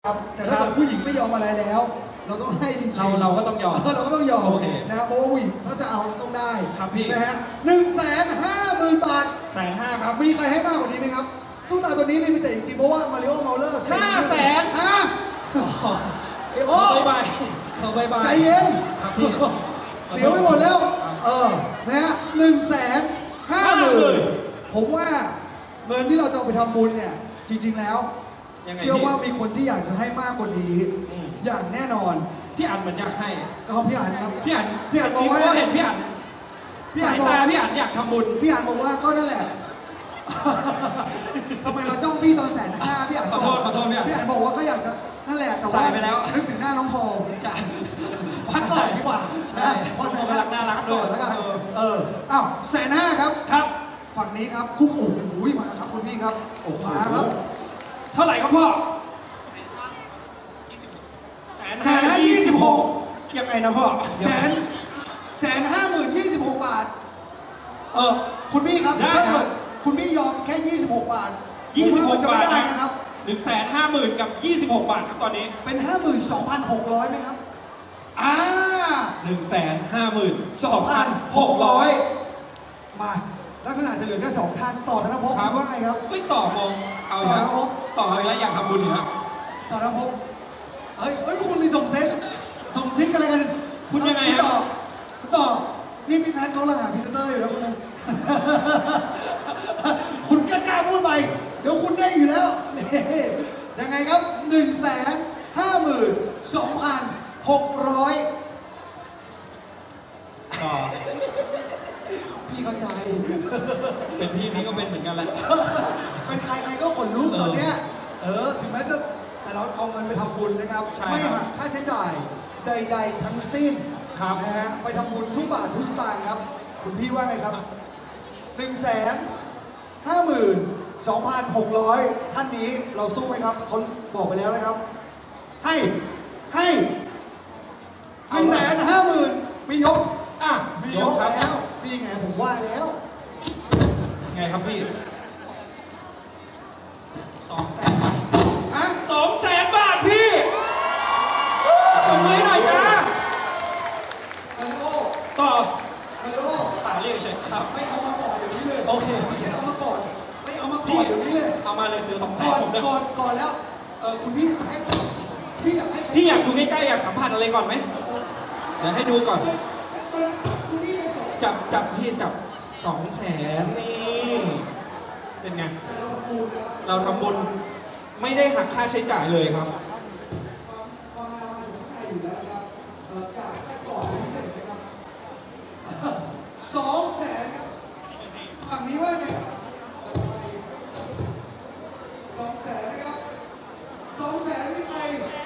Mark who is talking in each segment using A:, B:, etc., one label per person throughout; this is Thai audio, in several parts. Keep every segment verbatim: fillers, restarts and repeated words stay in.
A: ครับแต่ถ้าเกิดผู้หญิงไม่ยอมอะไรแล้ว เราต้องให้จริงๆ
B: เราเราก็ต้องยอม
A: เราก็ต้องยอม
B: โอเค
A: นะครับเพราะว่าผู้หญิงเขาจะเอาต้องได้
B: ครับพี่
A: นะฮะหนึ่งแสนห้าหมื่นบาท
B: แสนห้าครับ
A: มีใครให้มากกว่านี้ไหมครับตู้ตาตัวนี้ลิมิเต็ดจริงๆเพราะว่ามาริโอเมาเลอร์
B: ห้าแสน
A: ฮะ
B: เอ้โอ้บายบายเขาบายบาย
A: ใจเย็น
B: ครับพี่
A: เสียไปหมดแล้ว เออ นะฮะหนึ่งแสนห้าหมื่นผมว่าเงินที่เราจะเอาไปทำบุญเนี่ย จริงๆแล้ว
B: ยังไง
A: เชื่อว่า
B: พี่
A: มีคนที่อยากจะให้มากกว่านี้
B: อืม
A: อย่างแน่นอน
B: พี่อันเหมือนอยากให้
A: ก็พี่อ่านครับ
B: พี่อัน
A: พี่อันบอกว่า
B: เเห็นพี่อัน
A: พี่อ่า
B: สาน ย
A: บอก
B: ตาพี่อันอยากทำบุญ
A: พี่อ่านบอกว่าก็นั่นแหละ ทำไมเราจ้องพี่ตอนแสนห้าพี่อ่าน
B: ขอโทษขอโทษพี่อ่าน
A: พี่อ่านบอกว่าก็อยากจะนั่นแหละแต่ว่า
B: สายไปแล้ว
A: นึกถึงหน้าน้องพอล
B: ใช่
A: พักก่อนดีกว่า
B: ใช่
A: นะเพราะแสน
B: น่ารักน่ารัก
A: พัก่อนแล้วกัน
B: เออ
A: เอออ้าวแสนห้าครับ
B: ครับ
A: ฝั่งนี้ครับคุกโอ้โหมาครับคุณพี่ครับ
B: โอ้โห
A: มาครับ
B: เท่าไหร่ครับพ่อ
A: แสนห้ายี่สิบหก
B: ยังไงนะพ่อ
A: แสนแสนห้าหมื่นยี่สิบหกบาท
B: เออ
A: คุณพี่ครับ
B: ได้
A: ถ้า
B: ครั
A: เกิ
B: บ
A: ดคุณพี่ยอมแค่ยี่สิบหกบาท
B: ยี่สิบหก
A: ผมว่มันจะ
B: บา
A: ไม่
B: ท
A: ได้นะครับ
B: หนึ่งแสนห้าหมื่นกับยี่สิบหกบาทครับตอนนี้
A: เป็นห้าหมื่นสองพันหกร้อยไหมครับอ่า
B: หนึ่งแสนห้าหมื่น
A: สองพันหกร้อยมาลักษณะจะเหลือแค่สองท่านต่อธนภพ
B: ครับ
A: ว่าไงครับ
B: ไม่ต่อมองเอาอีกแล้ว
A: ต่อครับ
B: ต่ออีกแล้วอยากทำบุญอยู่แล้ว
A: ต่อธนภพเฮ้ยเฮ้ยคุณมีส่งเซ็ตส่งซิกอะไรกัน
B: คุณยังไง
A: คุณ
B: ฮะ
A: ต่อคุณต่อนี่พี่แพทเขาละหาพรีเซนเตอร์อยู่แล้วคุณ คุณกล้าๆพูดไปเดี๋ยวคุณได้อยู่แล้ว นี่ยังไงครับหนึ่งแสนห้าหมื่นสองพันหกร้อย
B: ต่อ
A: พี่เข้าใจ
B: เป็นพี่พี่ก็เป็นเหมือนกันแหละ
A: เป็นใครใครก็ขนลุกตอนเนี้ย เออ ถึงแม้จะแต่เราเอาเงินไปทำบุญนะครับ
B: ใช่
A: ไม่
B: ครับ
A: หักค่าใช้จ่ายใดๆทั้งสิ้น
B: ครับ
A: นะฮะ ไปทำบุญทุกบาททุกสตางค์ครับ คุณพี่ว่าไงครับหนึ่งแสนห้าหมื่นสองพันหกร้อยท่านนี้เราสู้ไหมครับเขาบอกไปแล้วนะครับ ให้ ให้หนึ่งแสนห้าหมื่นมียก
B: อ่ะ
A: มี
B: ย
A: ย
B: ก
A: ก
B: ครับ
A: แล้วนี่ไงผมว่าแล้ว
B: ไงครับพี่สองแสน
A: ฮะ
B: สองแสนบาทพี่ทำไมหน่อยนะ
A: มาริโอ
B: ต่อ
A: มาริโอ
B: ตาเรียกเฉยครับ
A: ไม่เอามาก่อนเดี๋ยวนี้เลย
B: โอเค
A: ไม่ใช่เอามาก่อนไม่เอามาก่อนเดี๋ยวนี้เลย
B: เอามาเลยซื้อสองแส
A: ก่
B: น
A: อน
B: ผมด้วย
A: ก่อนก่อนแล้ว เออคุณพี่อยากให้พี่อยากให้
B: พี่อยากดูใกล้ๆอยากสัมผัสอะไรก่อนไหมเดี๋ยวให้ดูก่อน
A: คุณพี่ไปสอน
B: จับจับพี่จับสองแสนนี่ เป็นไง
A: เราทำบุญนะ
B: เราทำบุญไม่ได้หักค่าใช้จ่ายเลยครับ
A: ความงามมันอยู่ข้างในอยู่แล้วนะครับเออกาแค่ก่อนไม่เสร็จนะครับสองแสนครับฝั่งนี้ว่าไงครับสองแสนนะครับสองแสนนี่ใคร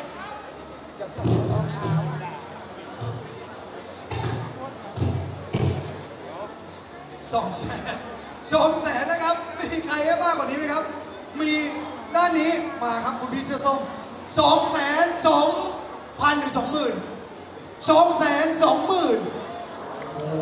A: สองแสนสองแสนนะครับมีใครให้มากกว่านี้ไหมครับ มีด้านนี้มาครับคุณพี่เสื้อส้มสองแสนสองพันหรือสองหมื่นสองแสนสองหมื่นโอ้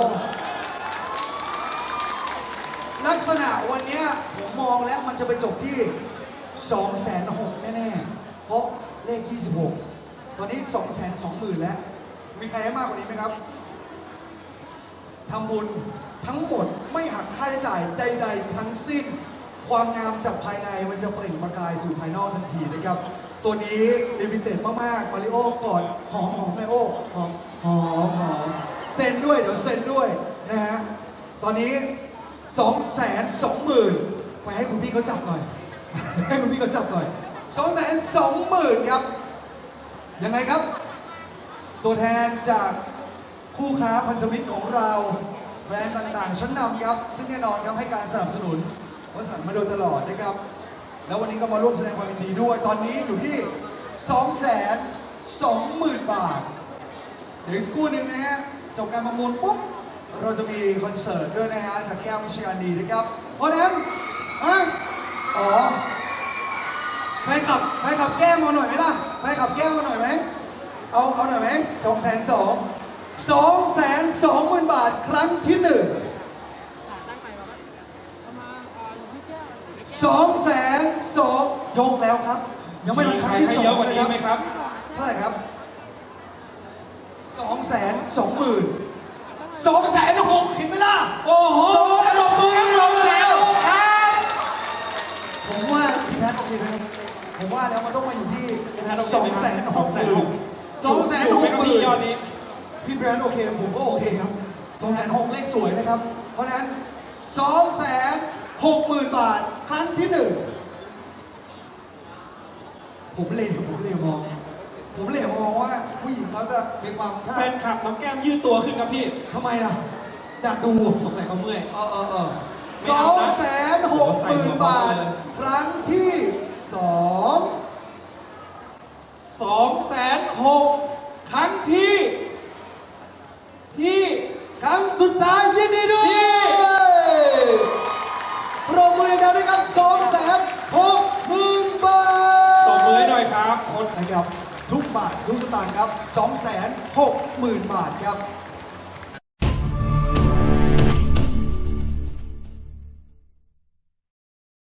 A: ลักษณะวันเนี้ยผมมองแล้วมันจะไปจบที่สองแสนหกแน่ๆเพราะเลขยี่สิบหกตอนนี้สองแสนสองหมื่นแล้ว มีใครให้มากกว่านี้ไหมครับ ทำบุญทั้งหมดไม่หักค่าใช้จ่ายใดๆทั้งสิ้น ความงามจากภายในมันจะเปล่งประกายสู่ภายนอกทันทีนะครับ ตัวนี้ลิมิเต็ดมากๆมาริโอกอดหอมหอมไนโอหอมหอมหอมเซ็นด้วยเดี๋ยวเซ็นด้วยนะฮะตอนนี้สองแสนสองหมื่นไปให้คุณพี่เขาจับหน่อย ให้คุณพี่เขาจับหน่อยสองแสนสองหมื่นครับยังไงครับ ตัวแทนจากคู่ค้าพันธมิตรของเราแบรนด์ต่างๆชั้นนำครับซึ่งแน่นอนครับให้การสนับสนุนวสันต์มาโดยตลอดนะครับ แล้ววันนี้ก็มาร่วมแสดงความยินดีด้วย ตอนนี้อยู่ที่ สองแสนสองหมื่น บาท เดี๋ยวอีกสักครู่หนึ่งนะฮะจบการประมูลปุ๊บ เราจะมีคอนเสิร์ตด้วยนะฮะจากแก้วมิชยานีนะครับ เพราะฉะนั้นฮะอ๋อแฟนขับแฟนขับแก้มมาหน่อยไหมล่ะแฟนขับแก้มมาหน่อยไหมเอาเอาหน่อยไหมสองแสนสองสองแสนสองหมื่นบาทครั้งที่หนึ่งสองแสนสองยกแล้วครับยังไม่ทันครั้งที่
B: ใคร
A: ส
B: ให้
A: อง
B: เยอะกว่า
A: เลย
B: นี้
A: ครับ
B: ไหมครับ
A: เท่าไหร่ครับสองแสนสองหมื่นสองแสนหกเห็นไหมล่ะ
B: โอ้โห
A: สองแสน
B: ต
A: ห
B: บ
A: ก
B: มือให้สองแสนหกครับ
A: ผมว่าพี่แพทย์โอเคไหมครับผมว่าแล้วมันต้องมาอยู่ที่
B: พี่แพทย์โอเค
A: สอง
B: ไหมครับ
A: แสนหกหมื่นส
B: ส
A: อ
B: อง ง
A: แส
B: แส
A: น
B: น
A: ห
B: ห
A: ก
B: ก
A: ห
B: หมื่
A: มื่
B: น
A: น
B: ยอดนี้
A: พี่แพทย์โอเคผมก็โอเคครับสองแสนหกเลขสวยนะครับ เพราะฉะนั้นสองแสนหกหมื่นบาทครั้งที่หนึ่งผมเลยผมเลยมอง ผมเลยมองว่าผู้หญิงเขาจะมีความ
B: แฟนคลับน้องแก้มยืดตัวขึ้นครับพี่
A: ทำไมล่ะอยากดู
B: สงสัยเขาเมื่อย
A: เออเออเออ
B: ไม่
A: สอ
B: เอา
A: ง
B: นะ
A: แสนหกหมื่นบาท ครั้งที่สอง
B: สองแสนหกครั้งที่ ที่
A: ครั้งสุดท้ายยินดีด้วย
B: ที่
A: ปรบมือดังๆด้วยครับสองแสนหกหมื่นบาท
B: ตบมือให้หน่อยครับคน
A: นะครับทุกบาททุกสตางค์ครับสองแสนหกหมื่นบาทครับ